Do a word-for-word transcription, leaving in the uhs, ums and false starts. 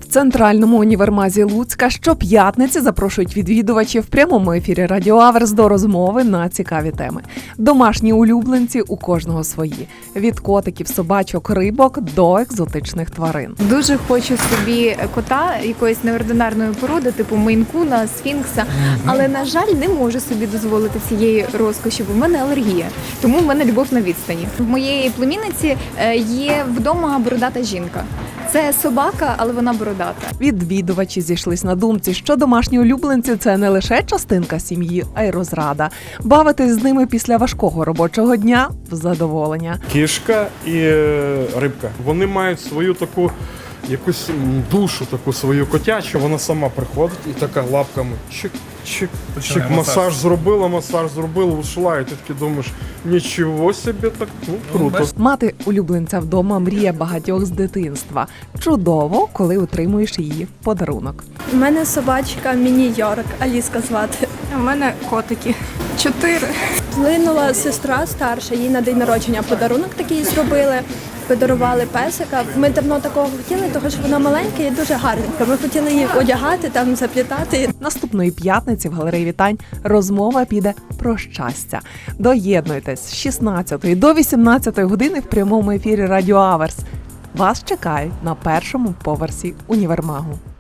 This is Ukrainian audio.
центральному універмазі Луцька щоп'ятниці запрошують відвідувачів в прямому ефірі Радіо Аверс до розмови на цікаві теми. Домашні улюбленці у кожного свої. Від котиків, собачок, рибок до екзотичних тварин. Дуже хочу собі кота якоїсь неординарної породи, типу мейн-куна, сфінкса, але, на жаль, не можу собі дозволити цієї розкоші, бо в мене алергія. Тому в мене любов на відстані. В моєї племінниці є вдома бородата жінка. Це собака, але вона бородата. Відвідувачі зійшлись на думці, що домашні улюбленці – це не лише частинка сім'ї, а й розрада. Бавитись з ними після важкого робочого дня – в задоволення. Кішка і рибка. Вони мають свою таку якусь душу, таку свою котячу. Вона сама приходить і така лапками чик, чик, чик, масаж зробила, масаж зробила, ушла, і ти таки думаєш, нічого собі, так, ну, круто. Мати улюбленця вдома – мрія багатьох з дитинства. Чудово, коли отримуєш її в подарунок. У мене собачка Міні-Йорк, Аліска звати. У мене котики. Чотири. Плинула сестра старша, їй на день народження подарунок такий зробили. Подарували песика. Ми давно такого хотіли, тому що вона маленька і дуже гарненька. Ми хотіли її одягати, там заплітати. Наступної п'ятниці в галереї вітань розмова піде про щастя. Доєднуйтесь з шістнадцятої до вісімнадцятої години в прямому ефірі Радіо Аверс. Вас чекають на першому поверсі універмагу.